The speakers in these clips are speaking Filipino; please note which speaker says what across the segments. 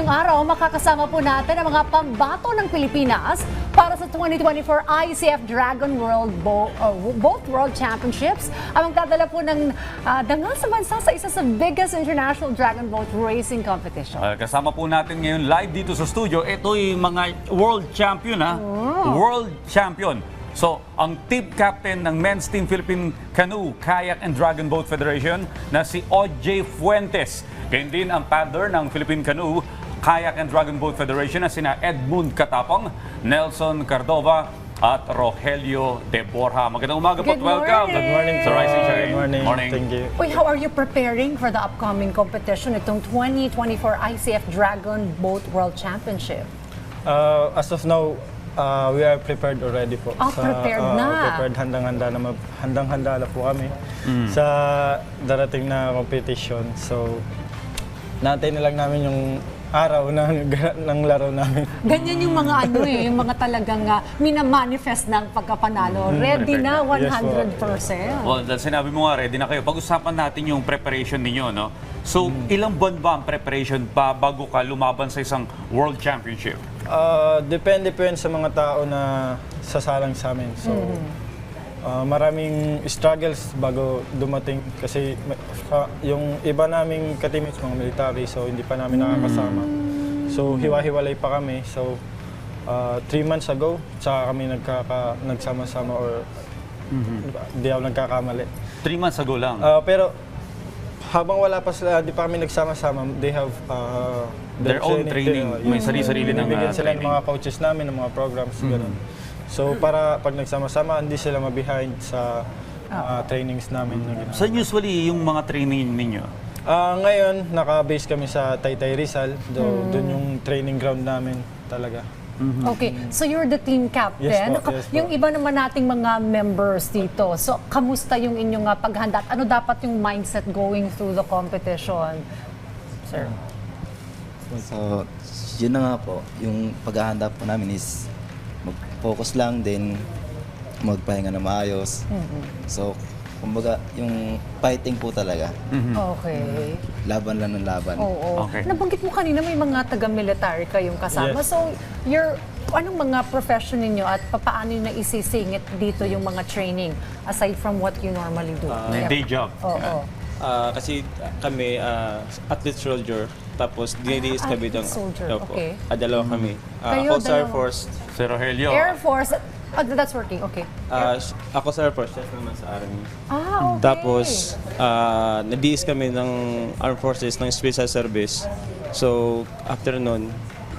Speaker 1: ngayong araw, makakasama po natin ang mga pambato ng Pilipinas para sa 2024 ICF Dragon Boat World Championships. Ang magdadala po ng dangal sa bansa sa isa sa biggest international dragon boat racing competition.
Speaker 2: Kasama po natin ngayon live dito sa studio. Ito yung mga world champion World champion. So, ang team captain ng Men's Team Philippine Canoe, Kayak and Dragon Boat Federation na si OJ Fuentes. Ganyan din ang paddler ng Philippine Canoe, Kayak and Dragon Boat Federation na sina Edmund Katapang, Nelson Cardova at Rogelio De Borja. Magandang umaga po at welcome.
Speaker 1: Good morning
Speaker 2: Sa Rising Shine.
Speaker 3: Good morning. Thank you.
Speaker 1: Uy, how are you preparing for the upcoming competition, itong 2024 ICF Dragon Boat World Championship?
Speaker 3: As of now, we are prepared already po.
Speaker 1: Prepared na.
Speaker 3: Prepared, handang-handa na po kami sa darating na competition. So, natin na lang namin yung araw ng laro namin.
Speaker 1: Ganyan yung mga yung mga talagang minamanifest ng pagkapanalo. Ready na 100%.
Speaker 2: Well, dahil sinabi mo nga, ready na kayo. Pag-usapan natin yung preparation ninyo, no? So, ilang buwan ba ang preparation pa bago ka lumaban sa isang World Championship?
Speaker 3: Depende po yan sa mga tao na sasalang sa amin. So, maraming struggles bago dumating kasi yung iba naming ka-teammates, mga military, so hindi pa namin nakakasama. So, hiwa-hiwalay pa kami. So, 3 months ago, saka kami nagsama-sama or di ako nagkakamali.
Speaker 2: 3 months ago lang.
Speaker 3: Pero habang wala pa sila, di pa kami nagsama-sama, they have
Speaker 2: their own training. May sarili-sarili ng
Speaker 3: binibigyan sila ng
Speaker 2: training.
Speaker 3: mga coaches namin, ng mga programs, gano'n. So para pag nagsama-sama, hindi sila ma-behind sa trainings namin.
Speaker 2: Saan usually yung mga training ninyo?
Speaker 3: Ngayon, naka-base kami sa Taytay Rizal. Doon yung training ground namin talaga.
Speaker 1: Okay, so you're the team captain.
Speaker 3: Yes po, yes po.
Speaker 1: Yung iba naman nating mga members dito, so kamusta yung inyong paghanda? Ano dapat yung mindset going through the competition, sir?
Speaker 4: So, yun na nga po, yung paghahanda po namin is mag-focus lang din, magpahinga na maayos. So, kumbaga, yung fighting po talaga.
Speaker 1: Okay.
Speaker 4: Laban lang ng laban.
Speaker 1: Oo.
Speaker 2: Okay.
Speaker 1: Nabanggit mo kanina may mga taga-military kayong kasama.
Speaker 3: Yes.
Speaker 1: So, anong mga profession ninyo at paano nyo na isisingit dito yung mga training aside from what you normally do?
Speaker 2: Day job.
Speaker 1: Oo.
Speaker 5: Kasi kami, athlete soldier, tapos dinidiis kami ng...
Speaker 1: soldier,
Speaker 5: Opo.
Speaker 1: okay.
Speaker 5: Dalawa kami.
Speaker 1: Kayo,
Speaker 5: Ako sa Air
Speaker 1: dalawa.
Speaker 5: Force.
Speaker 2: Si Rogelio.
Speaker 1: Air Force, that's working, okay.
Speaker 5: Ako sa Air Force, chef naman sa Army.
Speaker 1: Okay.
Speaker 5: Tapos, nadiis kami ng Armed Forces ng Special Service. So, after nun,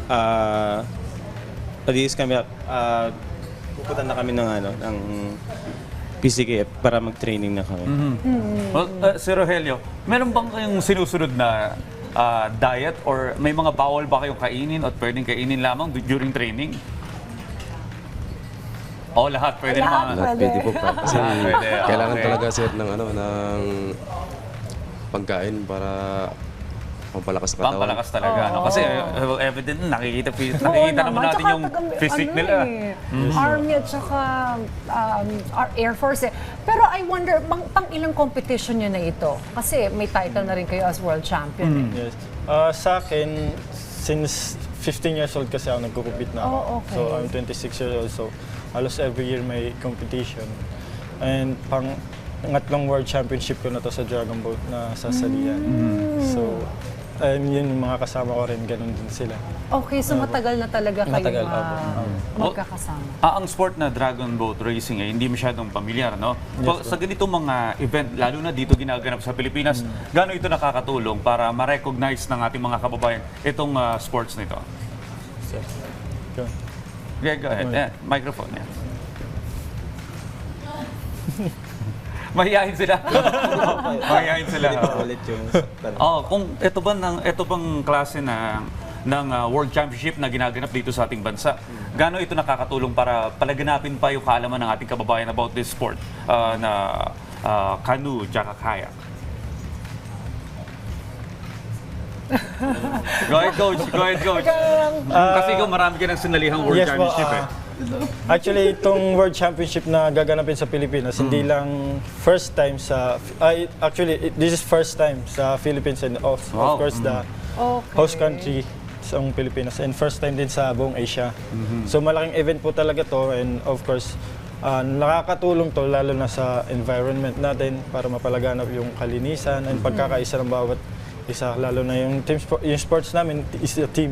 Speaker 5: nadiis kami, pupunta na kami ng PCKF para mag-training na kami.
Speaker 2: Well, si Rogelio, meron bang kayong sinusunod na diet or may mga bawal ba kayong kainin at pwedeng kainin lamang during training? O lahat pwede naman.
Speaker 6: Lahat pwede po pa. Kasi
Speaker 2: Pwede,
Speaker 6: kailangan
Speaker 2: okay.
Speaker 6: talaga sir ng pagkain para pampalakas ng katawan.
Speaker 2: Pampalakas talaga. No? Kasi evident nakikita
Speaker 1: Oo
Speaker 2: naman natin
Speaker 1: tsaka
Speaker 2: yung physique nila.
Speaker 1: Army at saka Air Force eh. Pero I wonder, pang ilang competition nyo na ito? Kasi may title na rin kayo as world champion.
Speaker 3: Yes. Sa akin, since 15 years old kasi ako nagko-compete na ako.
Speaker 1: Oh, okay.
Speaker 3: So I'm 26 years old, so halos every year may competition. And ngatlong world championship ko na to sa Dragon Boat na sasalian. So, yun yung mga kasama ko rin, ganun din sila.
Speaker 1: Okay, so matagal na talaga kayo
Speaker 3: Matagal,
Speaker 1: magkakasama.
Speaker 2: Ang sport na dragon boat racing hindi masyadong pamilyar, no? So, sa ganitong mga event, lalo na dito ginaganap sa Pilipinas, gaano ito nakakatulong para ma-recognize ng ating mga kababayan itong sports nito?
Speaker 3: So, go.
Speaker 2: Okay, go ahead. Microphone. Yeah. Mahihayin sila. Mahihayin sila.
Speaker 5: Ulit yung...
Speaker 2: Kung ito bang klase ng World Championship na ginaganap dito sa ating bansa, gaano ito nakakatulong para palaganapin pa yung kaalaman ng ating kababayan about this sport na canoe tsaka kayak? Go ahead, coach. Kasi ikaw marami ka ng sinalihang World
Speaker 3: Yes po,
Speaker 2: Championship
Speaker 3: Actually, itong World Championship na gaganapin sa Pilipinas, hindi lang first time this is first time sa Philippines and of course the host country ang Pilipinas and first time din sa buong Asia. So malaking event po talaga to and of course nakakatulong to lalo na sa environment natin para mapalaganap yung kalinisan and pagkakaisa ng bawat isa, lalo na yung yung sports namin is a team.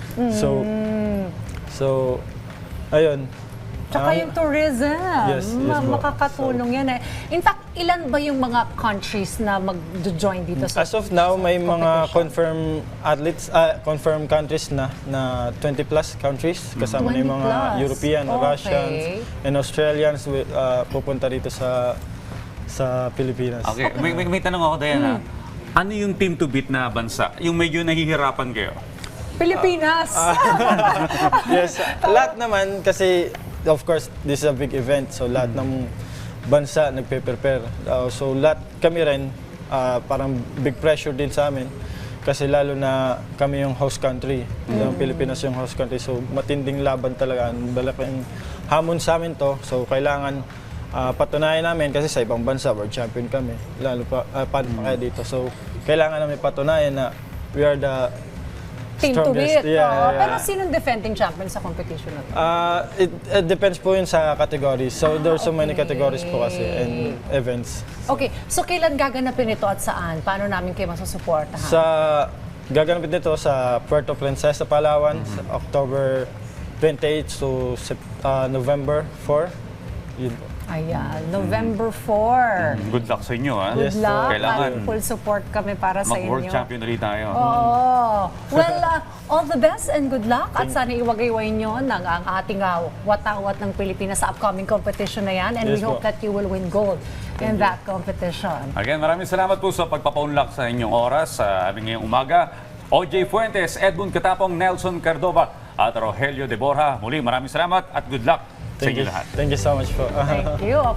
Speaker 3: So ayun.
Speaker 1: Tsaka yung tourism,
Speaker 3: Yes, yes po.
Speaker 1: makakatulong yan eh. In fact, ilan ba yung mga countries na mag-join dito sa
Speaker 3: As of now, may mga
Speaker 1: competition?
Speaker 3: confirmed athletes, confirmed countries na 20 plus countries. Kasama na yung
Speaker 1: 20
Speaker 3: mga
Speaker 1: plus.
Speaker 3: European,
Speaker 1: Okay.
Speaker 3: Russians, and Australians pupunta dito sa Pilipinas.
Speaker 2: Okay, may tanong ako, Diana. Ano yung team to beat na bansa? Yung medyo nahihirapan kayo?
Speaker 1: Pilipinas.
Speaker 3: Yes, lahat naman kasi of course this is a big event so lahat ng bansa nagpe-prepare. So lahat kami rin parang big pressure din sa amin kasi lalo na kami yung host country. Yung Pilipinas yung host country so matinding laban talaga. Malaking hamon sa amin to. So kailangan patunayan namin kasi sa ibang bansa world champion kami. Lalo pa paano pa kaya dito. So kailangan namin patunayan na we are the
Speaker 1: Team to beat.
Speaker 3: strongest. Yeah.
Speaker 1: Pero sinong defending champion sa competition na to?
Speaker 3: It depends po yun sa categories. So there's so many categories po kasi and events.
Speaker 1: Okay, so kailan gaganapin ito at saan? Paano namin kayo masusuportahan?
Speaker 3: Sa gaganapin dito sa Puerto Princesa, Palawan, sa October 28 to November 4. Yun po.
Speaker 1: Ayan, November 4.
Speaker 2: Good luck sa inyo, ha?
Speaker 1: Good luck
Speaker 2: Kailangan
Speaker 1: at full support kami para sa
Speaker 2: mag-world
Speaker 1: inyo.
Speaker 2: champion ulit tayo.
Speaker 1: Oh, well, all the best and good luck at sana iwagayway nyo ng ang ating watawat ng Pilipinas sa upcoming competition na yan and we
Speaker 3: Yes
Speaker 1: hope
Speaker 3: po.
Speaker 1: that you will win gold in that competition.
Speaker 2: Again, maraming salamat po sa pagpapaunlak sa inyong oras sa aming ngayong umaga. OJ Fuentes, Edmund Katapong, Nelson Cardova at Rogelio de Borja. Muli, maraming salamat at good luck sa inyo lahat.
Speaker 3: Thank you so much po.
Speaker 1: Thank you.